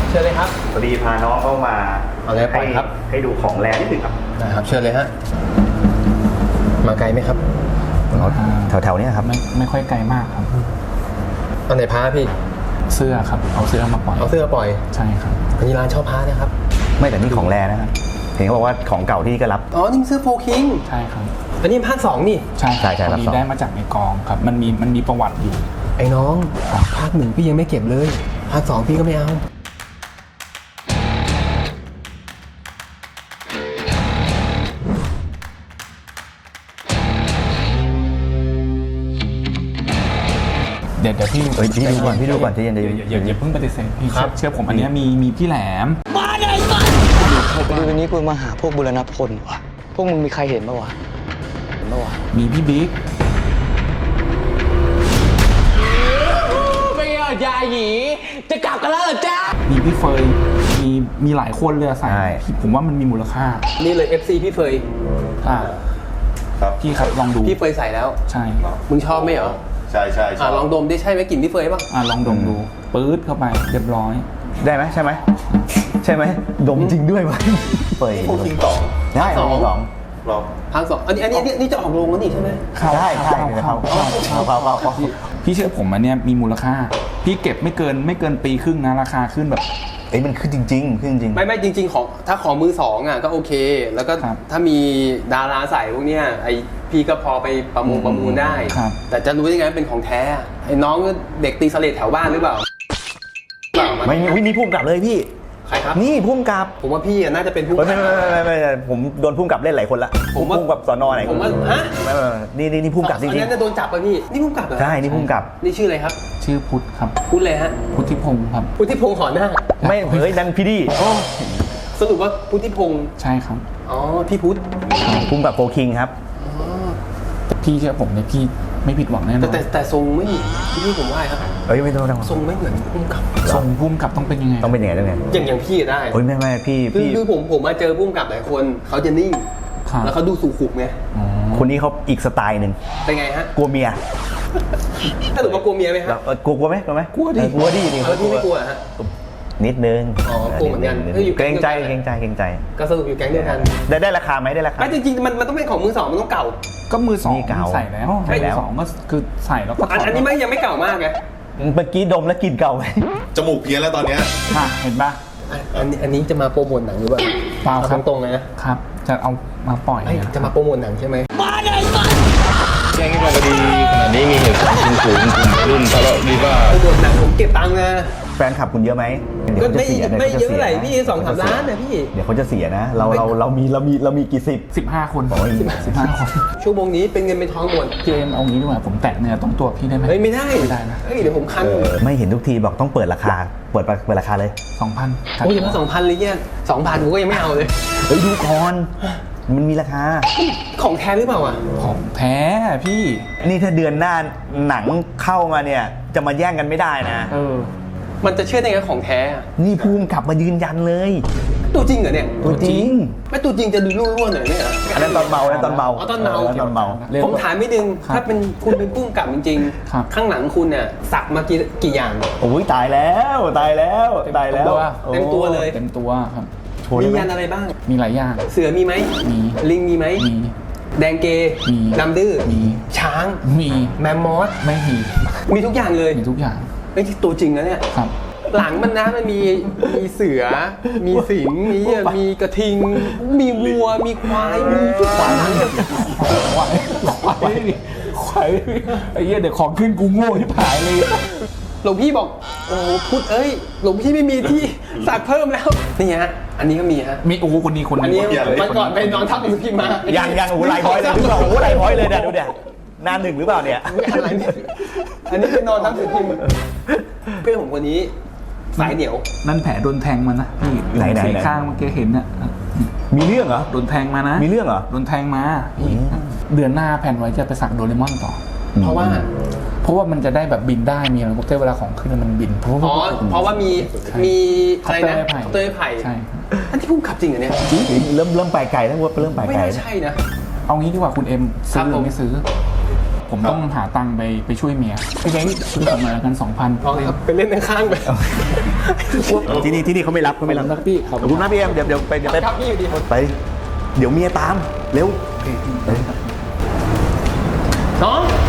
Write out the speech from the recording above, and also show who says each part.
Speaker 1: เชิญเลยครับ
Speaker 2: พอดีพาน้องเข้ามา
Speaker 1: เอาเลยไปครับ
Speaker 2: ให้ดูของแรงนิดหนึ่งครับ
Speaker 1: นะครับเชิญเลยฮะมาไกลไหมครับ
Speaker 2: แถวๆนี้ครับ
Speaker 3: ไม่ค่อยไกลมากครับ
Speaker 1: เอาไหนพาพี่
Speaker 3: เสื้อครับเอาเสื้อมาปล่อย
Speaker 1: เอาเสื้อปล่อย
Speaker 3: ใช่ครับ
Speaker 1: อันนี้ร้านเช่าพานะครับ
Speaker 2: ไม่แต่นี่ของแรงนะครับเห็นเขาบอกว่าของเก่าที่ก็รับ
Speaker 1: อ๋อนี่เสื้อโฟคิง
Speaker 3: ใช่ครับ
Speaker 1: อันนี้ภาค2นี่
Speaker 3: ใช่ครับได้มาจากในกองครับมันมีประวัติอยู่
Speaker 1: ไอ้น้องภาค1พี่ยังไม่เก็บเลยภาค2พี่ก็ไม่เอา
Speaker 3: เดี๋ยวพี่
Speaker 2: ดูก่อนที่ยัน
Speaker 3: อย่าเพิ่งปฏิเสธพี่เชื่อผมอันนี้มีพี่แหลม
Speaker 4: มาไหนมาดูวันนี้กูมาหาพวกบุรณพลวะพวกมึงมีใครเห็นปะวะ
Speaker 3: มีพี่บิ๊ก
Speaker 4: ไม่เอายาหยีจะกลับกันแล้วเหรอจ๊ะ
Speaker 3: มีพี่เฟยมีหลายคนเลยใส่ผมว่ามันมีมูลค่า
Speaker 1: นี่เลย FC พี่เฟย
Speaker 2: ครับ
Speaker 3: พี่ครับลองดู
Speaker 1: พี่เฟยใส่แล้ว
Speaker 3: ใช่
Speaker 1: มึงชอบไหมเหรอ
Speaker 2: ใช่
Speaker 1: ลองดมได้ใช่ไหมกลิ่นพี่เฟยป่ะ
Speaker 3: ลองดมดูปื๊ดเข้าไปเรียบร้อย
Speaker 2: ได้ไหมใช่ไหมดมจริงด้วยวะเฟย
Speaker 1: โฟคิงต่อ
Speaker 2: ได้2
Speaker 1: ภาค2อันนี้จะออกโรงแล้วนี่ใช่ไหม
Speaker 2: ได้เข้า
Speaker 3: พี่เชื่อผมอันเนี้ยมีมูลค่าพี่เก็บไม่เกินปีครึ่งนะราคาขึ้นแบบ
Speaker 2: มันขึ้นจริง
Speaker 1: ไม่จริงของถ้าของมือ2อ่ะก็โอเคแล้วก็ถ้ามีดาราใส่พวกเนี้ยไอพี่ก็พอไปประมูลได้แต่จะรู้ยังไงเป็นของแท้ไอ้น้องเด็กตีสเลดแถวบ้านหรือเปล่า
Speaker 2: ไม่นี่พุ่มกลับเลยพี่
Speaker 1: ใครครับ
Speaker 2: นี่พุ่มกับ
Speaker 1: ผมว่าพี่น่าจะเป็นพุ่ม
Speaker 2: ไม่ผมโดนพุ่มกับเล่นหลายคนละผมพุ่มกับสนไหน
Speaker 1: ผมว่าฮะ
Speaker 2: นี่พุ่มกับจริงๆอัน
Speaker 1: นั้นจะโดนจับป่ะพี่นี่พุ่มกับเหรอ
Speaker 2: ใช่นี่พุ่มกับ
Speaker 1: นี่ชื่ออะไรครับ
Speaker 3: ชื่อพุทธครับ
Speaker 1: พุทธเลยฮะ
Speaker 3: พุทธิพงศ์ครับ
Speaker 1: พุทธิพงศ์ขอหน้า
Speaker 2: ไม่นั่นพี่ดี
Speaker 1: สรุปว่าพุทธิพงศ์
Speaker 3: ใช่ครับ
Speaker 1: อ๋อพี่พุทธ
Speaker 2: พุ่มกับโฟคิงครับ
Speaker 3: พี่เชื่อผมเนี่ยพี่ไม่ผิดหวังแน่นอน
Speaker 1: แต่ทรงไม่พี่ผมว่าครับ
Speaker 2: ไม่ต้อง
Speaker 1: ทรงไม่เหมือนพุ่มกับ
Speaker 3: ทรงพุ่มกับต้องเป็นยังไง
Speaker 1: อย่างพี่ได้
Speaker 2: ไม่พี่
Speaker 1: คือผมมาเจอพุ่มกับหลายคนเขาจะนิ่งแล้วเขาดูสุขุมไง
Speaker 2: คนนี้เขาอีกสไตล์หนึ่ง
Speaker 1: เป็นไงฮะ
Speaker 2: กลัวเมีย
Speaker 1: ถ้าหนูว่ากลัวเมียไหมครับ
Speaker 2: กลัวไหม
Speaker 1: กลัวดิ
Speaker 2: พี่
Speaker 1: ไม่กลัวฮะ
Speaker 2: นิดนึง
Speaker 1: กลัวเหมือนกัน
Speaker 2: เกรงใจ
Speaker 1: ก็สรุปอยู่แก๊งเดียวกัน
Speaker 2: ได้ราคาไหมได้ราคา
Speaker 1: ไม่จริงๆมันต้องเป็นของมือ2มันต้องเก่า
Speaker 3: ก็มือ2ใส่แล้วมือ2ก็คือใส่แล้วก็
Speaker 1: อันนี้ยังไม่เก่ามากไง
Speaker 2: เมื่อกี้ดมแล้วกลิ่นเก่าไหม
Speaker 5: จมูกเพี้ยนแล้วตอนนี้
Speaker 3: เห็นปะ
Speaker 1: อันนี้จะมาโปรโมทหนังหรือเปล่า
Speaker 3: เปล่าครับ
Speaker 1: ตรงๆนะครับ
Speaker 3: จะเอามาปล่อย
Speaker 1: จะมาโปรโมทหนังใช่ไหม
Speaker 4: มาไหนมา
Speaker 5: แจ้งให้ฟังคดีขณะนี้มีเหตุการณ์กลุ่มรุ่นทะเลาะวิวาท
Speaker 1: โปรโมทหนังผมเก็บตังค์นะ
Speaker 2: แฟนคลับคุณเยอะไหม
Speaker 1: ก็ไม่เยอะเท่าไหร่พี่2-3 ล้านนะพี่
Speaker 2: เดี๋ยวเขาจะเสียนะเรามีกี่
Speaker 3: 15 คน15 คน
Speaker 1: ชั่วโมงนี้เป็นเงินเป็นทองหมด
Speaker 3: เจมเอางี้ดีกว่าผมแตะเนื้อต้องตัวพี่ได้ไหม
Speaker 1: ไม่ได้นะเดี๋ยวผมคัน
Speaker 2: ไม่เห็นทุกทีบอกต้องเปิดราคาเปิดราคาเลย
Speaker 3: 2,000
Speaker 1: โอ้ยมา2,000เลยเนี่ย 2,000ผมก็ยังไม่เอาเลย
Speaker 2: ดูก่อนมันมีราคา
Speaker 1: ของแท้หรือเปล่า
Speaker 3: ของแท้พี่
Speaker 2: นี่ถ้าเดือนหน้าหนังเข้ามาเนี่ยจะมาแย่งกันไม่ได้นะ
Speaker 1: มันจะเชื่อได้ไงของแท้
Speaker 2: นี่ภูมิกลับมายืนยันเลย
Speaker 1: ตัวจริงเหรอเนี่ย
Speaker 2: ตัวจริง
Speaker 1: ไม่ตัวจริงจะดูร่วนๆหน่อยเนี่ย
Speaker 2: อันนั้นตอนเมา
Speaker 1: ตอนเมาผมถามไม่ดึงถ้าเป็นคุณเป็นภูมิกับจริงๆข้างหลังคุณเนี่ยสักมากี่อย่าง
Speaker 2: โอ้ยตายแล้วเ
Speaker 1: ต็มตัวเลย
Speaker 3: เต็มตัวครับ
Speaker 1: มียันอะไรบ้าง
Speaker 3: มีหลายอย่าง
Speaker 1: เสือมีไหม
Speaker 3: มี
Speaker 1: ลิงมีไหม
Speaker 3: มี
Speaker 1: แดงเก
Speaker 3: มี
Speaker 1: ดำดื้อ
Speaker 3: มี
Speaker 1: ช้าง
Speaker 3: มี
Speaker 1: แมมมอส
Speaker 3: ไม่
Speaker 1: มีทุกอย่างเลย
Speaker 3: มีทุกอย่าง
Speaker 1: ไม่ใช่ตัวจริงนะเนี่ย
Speaker 3: ครับ
Speaker 1: หลังมันนะมันมีเสือมีสิงมีกระทิงมีวัวมีควายมีทุกอย่าง
Speaker 3: ควายไอ้เหี้ยเดี๋ยวของขึ้นกูโง่ที่ผายเลย
Speaker 1: หลวงพี่บอกโอ้พุทธหลวงพี่ไม่มีที่สักเพิ่มแล้วนี่ฮะอันนี้ก็มีฮะ
Speaker 3: มีคนนี้
Speaker 1: อันนี้มันก่อนไปนอนทับหนังสือพิมพ์มา
Speaker 2: ยังไลน์พอยต์เลยดูไลน์พอยต์เลยเนี่ยดูเนี่ยหน้า 1หรือเปล่าเนี่ย
Speaker 1: อันนี้ไปนอนทับหนังสือพิมพ์เพื่อนผมคนนี้สายเหนียว
Speaker 3: นั่นแผลโดนแทงมานะพี่
Speaker 2: ไหน
Speaker 3: ข้างเมื่อกี้เห็นน่ะ
Speaker 2: มีเรื่องเหรอ
Speaker 3: โดนแทงมานะ
Speaker 2: มีเรื่องเหรอ
Speaker 3: โดนแทงมาเดือนหน้าแผนไว้จะไปสักโดเรมอนต่อ
Speaker 1: เพราะว่า
Speaker 3: มันจะได้แบบบินได้มีอะไรพวกเวลาของขึ้นมันบินเพราะ
Speaker 1: ว่ามีอะไรนะเต้ยไผ่
Speaker 3: ใช่
Speaker 1: อันที่พุ่งขับจริงเหรอเนี่ย
Speaker 2: เริ่มไปไกลแล้วว่าเริ่มไปไกล
Speaker 1: ไม่ใช่นะ
Speaker 3: เอางี้ดีกว่าคุณเอ็มซื้อหรือไม่ซื้อผมต้องหาตังค์ไปช่วยเมียพี่แบงค์ช่วยผมหน่อยละกัน 2,000
Speaker 1: เอาครับไปเล่นข้างๆไป
Speaker 2: ที่นี่เขาไม่รับเขาไม่รับ
Speaker 3: ครับพี่ครับ
Speaker 2: ขอบคุณนะพี่เอ็มเดี๋ยวไป
Speaker 1: ครับพี่ดี
Speaker 2: ไป เดี๋ยวเมียตามเร็ว
Speaker 1: น้อง